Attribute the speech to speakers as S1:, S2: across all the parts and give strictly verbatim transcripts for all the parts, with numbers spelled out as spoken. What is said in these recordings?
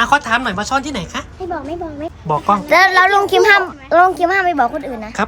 S1: อ่ะขอถามหน่อยว่าซ่อนที่ไหนคะ
S2: ไม่บอกไม่บอกไม่
S1: บอกกล้อง
S2: แล้วแล้วลุงคิมห้ามลุงคิมห้ามไปบอกคนอื่นนะครับ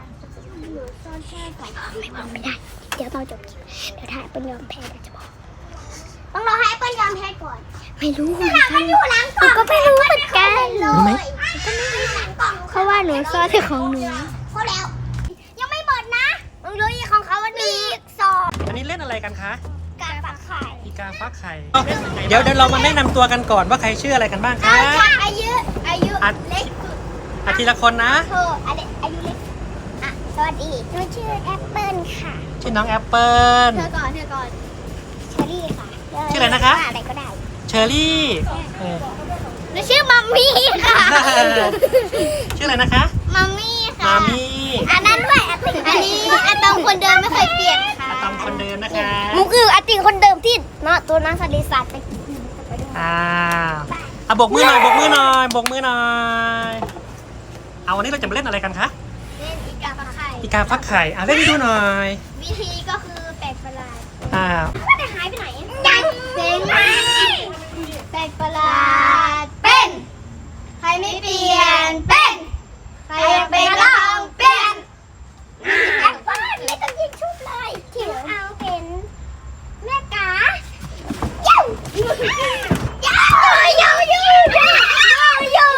S2: ไม่บอกไม่ได้เดี๋ยวตอนจบคลิปเดี๋ยวถ้าแอปเปิ้ลยอมแพ้เดี๋ยวจะบอกต้องรอให้แอปเปิ้ลยอมแพ้ก่อนไม่รู้เหมือนกันมันอยู่หลังกล่องก็ไม่รู้เหมือนกัน
S1: รู้ไหม
S2: เพราะว่าหนูซ่อนที่ของหนูพอแล้วยังไม่หมดนะมึงรู้อีกของเขาวันนี้อีกสอง
S1: อันนี้เล่นอะไรกันคะ
S2: การฟักไข่
S1: อีกาฟักไข่เดี๋ยวเดี๋ยวเรามาแนะนำตัวกันก่อนว่าใครชื่ออะไรกันบ้างคะ
S2: อายุอายุเล็ก
S1: อาทีละคนนะ
S2: เธออายุเล็กอ่ะสวัสดีหนูชื่อแอปเปิ้ลค่ะ
S1: ชื่อน้องแอปเปิ้ล
S2: เธอก่อนเธอก่อนเชอรี่ค่ะ
S1: ชื่ออะไรนะคะ
S2: อะไรก็ได้
S1: เชอรี่
S2: หนูชื่อมัมมี่ค่ะ
S1: ชื่ออะไรนะคะ
S2: มัมมี่ค่ะ
S1: มัมมี่
S2: อันนั้นด้วยอันนี้อะตอมคนเดิมไม่เคยเปลี่ยนค่ะ
S1: อะตอมคนเดิมนะคะ
S2: มุกคืออะติงคนเดิมที่เนาะตัวนั้นสติศาสตร์ไป
S1: อ่าอ่ะบกมือหน่อยบกมือหน่อยบกมือหน่อยเอาวันนี้เราจะมาเล่นอะไรกันคะ
S2: เล่นอีกาฟักไข่
S1: อีกาฟักไข่อ่ะเล่นให้ดูหน่อย
S2: วิธีก็คือแปลกประหลาด
S1: อ่า
S2: แต่หายไปไหนยังเจ๋งไหมแปลกประหลาดเป็นใครไม่เปลี่ยนเป็นใครอยากเป็นก็ลองเปลี่ยนแอปเปิ้ลไม่ต้องยิงชุบเลยคิวเอาเป็นแม่กาเย้าเย้าเย้าเย้าเย้าเย้า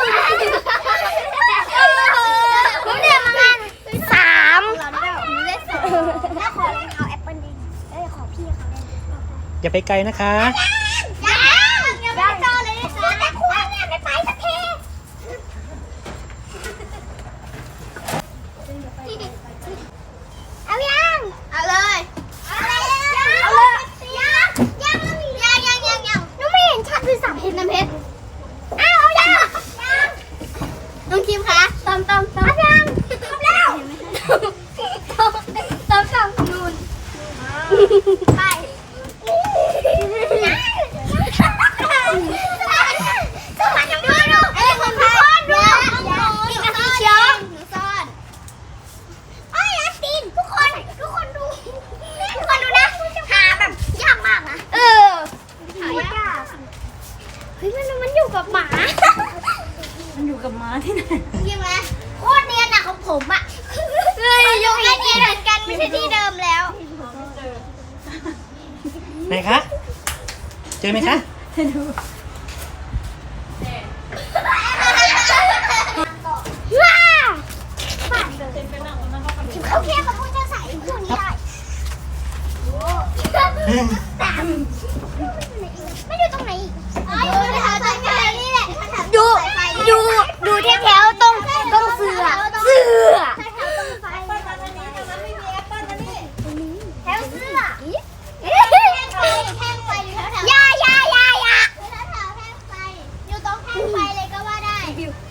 S2: ผมเนี่ยประมาณสามเลขสองแล้วขอลองเอาแอปเปิ้ลดิเอ้ยขอพี่เขาได้
S1: อย่าไปไกลนะคะ
S2: ยังยังไม่เจอเลยนะคะแต่ควรเนี่ยไม่ไปสักทีเอายังเอาเลยเอาเลยเอาเลยยังยังยังยังยังยังหนูไม่เห็นชัดด้วยสามเห็นน้ำเพชรอ้าวเอายังยังน้องคิมคะตอมตอมตอมยังทำแล้วตอมตอมตอมนูนไปสวัสดีดูดูเอ้ยผมซ่อนดูอีกอันนี้เชียวหนูซ่อนไอ้อาตีนทุกคนทุกคนดูทุกคนดูนะหาแบบยากมากนะเออหายากเฮ้ยมันมันอยู่กับหมา
S3: มันอยู่กับม้าที่ไหน
S2: ยังไงโคตรเนียนอะของผมอะเฮ้ยอยู่ใกล้เนียนเหมือนกันไม่ใช่ที่เดิมแล้ว
S1: ไหนคะเจอไหมคะ
S3: ดู
S2: ว้าเขาแค่มาพูดจะใส่พูดนี้ได้ไม่ดูตรงไหนอีกดูแถวตรงนี้แหละดูดูดูแถวแถวตรงตรงเสือเสือแถวเสือแท่งไฟอยู่แถวแถวยายายายาแถวแถวแท่งไฟอยู่ตรงแท่งไฟเลยก็ว่าได้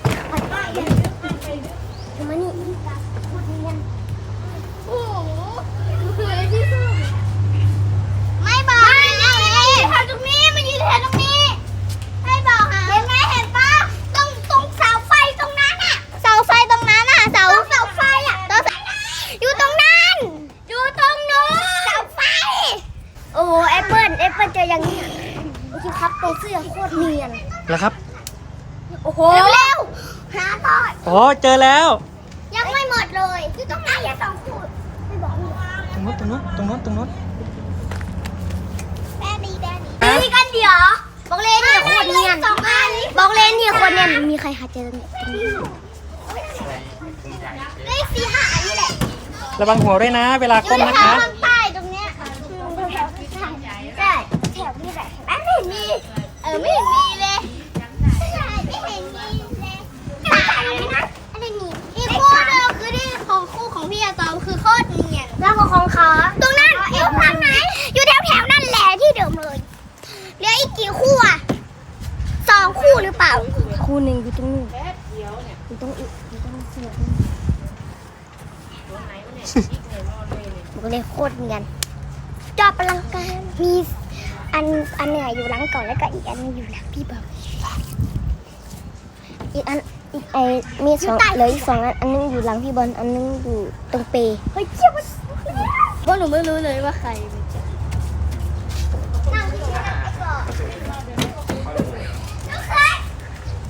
S2: ทำไมนี่พูดเนียนโอ้โหที่สุดไม่บอกไม่เลยแถวตรงนี้มันยืนแถวตรงนี้ให้บอกหาเห็นไหมเห็นปะตรงตรงเสาไฟตรงนั้นอะเสาไฟตรงนั้นอะเสาเสาไฟอะอยู่ตรงนั้นอยู่ตรงนู้นเสาไฟโอ้แอปเปิ้ลแอปเปิ้ลเจออย่างนี้โอเคครับตัวเสื้อโคตรเนียน
S1: แล้วครับ
S2: โอ้โหเร็วหาต่อ
S1: โอ้เจอแล้ว
S2: ยังไม่หมดเลยอยู่ตรงไหนอย่าสองขูดไม่บอก
S1: ตรงนู้นตรงนู้นตรงนู้นตรงนู้น
S2: แม่ดีแม่ดีดีกันเดี๋ยวบอกเลนเนี่ยโคตรเนียนบอกเลนเนี่ยคนเนียนมีใครหาเจอเนี่ยเลขสี่ห้าอันนี้แหละ
S1: ระวังหัวด้วยนะเวลาก้มนะคะ
S2: ข้างใต้ตรงเนี้ยแถวที่ใช่ใช่แถวที่ไหนไม่เห็นมีเออไม่เห็นมีเลยไม่เห็นมีเลยอะไรนี่อีกคู่เดียวคือที่ของคู่ของพี่อาตอมคือโคตรเนียนแล้วของเขาตรงนั้นอยู่ทางไหนอยู่แถวแถวนั่นแหละที่เดิมเลยเหลืออีกกี่คู่อ่ะสองคู่หรือเปล่าคู่หนึ่งอยู่ตรงนู้นอยู่ตรงอีกอยู่ตรงเสือบอกเลยโคตรเนียนจอบพลังการมีอันอันเหนืออยู่หลังก่อนแล้วก็อีกอันนึงอยู่หลังพี่บอลอีกอันอีกไอมีสองเหลืออีกสองอันอันนึงอยู่หลังพี่บอลอันนึงอยู่ตรงเปย์เฮ้ยเจ้าเพราะหนูไม่รู้เลยว่าใครนั่งที่นั่งไปก่อน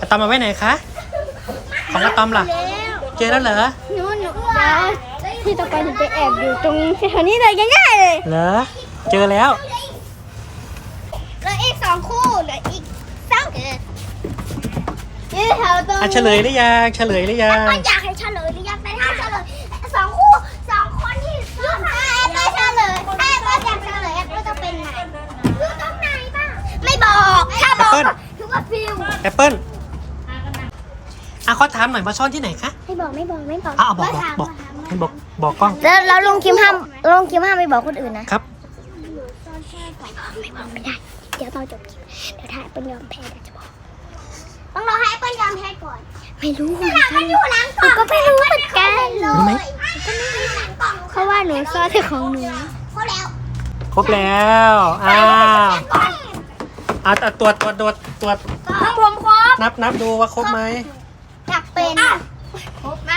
S1: อะตอมมาไว้ไหนคะ ของอะตอมล่ะ เจอแล้วเหรอ
S2: หนูหนูเดี๋ยวที่ต่อไปหนูจะแอบอยู่ตรงแถวนี้เลยง่ายๆเลย
S1: เหรอ เจอแล้ว
S2: เหลืออีกสองคู่เหลืออีกสองเออนี่แถวตรง
S1: อ่ะเฉลยหรือยังเฉลยหรือยัง
S2: ก็อยากให้เฉลยหรือยังแต่ถ้าเฉลยสองคู่สองคนที่ยืนถ้าแอบไม่เฉลยถ้าแอบไม่อยากเฉลยแอบก็จะเป็นไหนอยู่ตรงไหนบ้างไม่บอกถ้าบอกถือว่าฟิว
S1: แอปเปิ้ลอ่ะขอถามหน่อยมาซ่อนที่ไหนคะ
S2: ไม่บอกไม่บอกไม่บอก
S1: อ่ะเอาบอกบอกบอกให้บอกบอกกล้อง
S2: แล้วแล้วลุงคิมห้ามลุงคิมห้ามไม่บอกคนอื่นนะครับ ไม่บอกไม่ได้เดี๋ยวตอนจบคลิปเดี๋ยวถ้าแอปเปิ้ลยอมแพ้เดี๋ยวจะบอกต้องรอให้แอปเปิ้ลยอมแพ้ก่อนไม่รู้เหมือนกันมันอยู่หลังกล่องก็ไม่รู้เหมือนกัน
S1: รู้ไหม
S2: ก็ไม่รู้หลังกล่องเพราะว่าหนูซ่อนที่ของหนูเขาแล้ว
S1: ครบแล้วอ้าวอ่ะอ่ะตรวจตรวจตรวจตรวจ
S2: ของผมครบ
S1: นับนับดูว่าครบไหม
S2: อยากเป็นครบไหม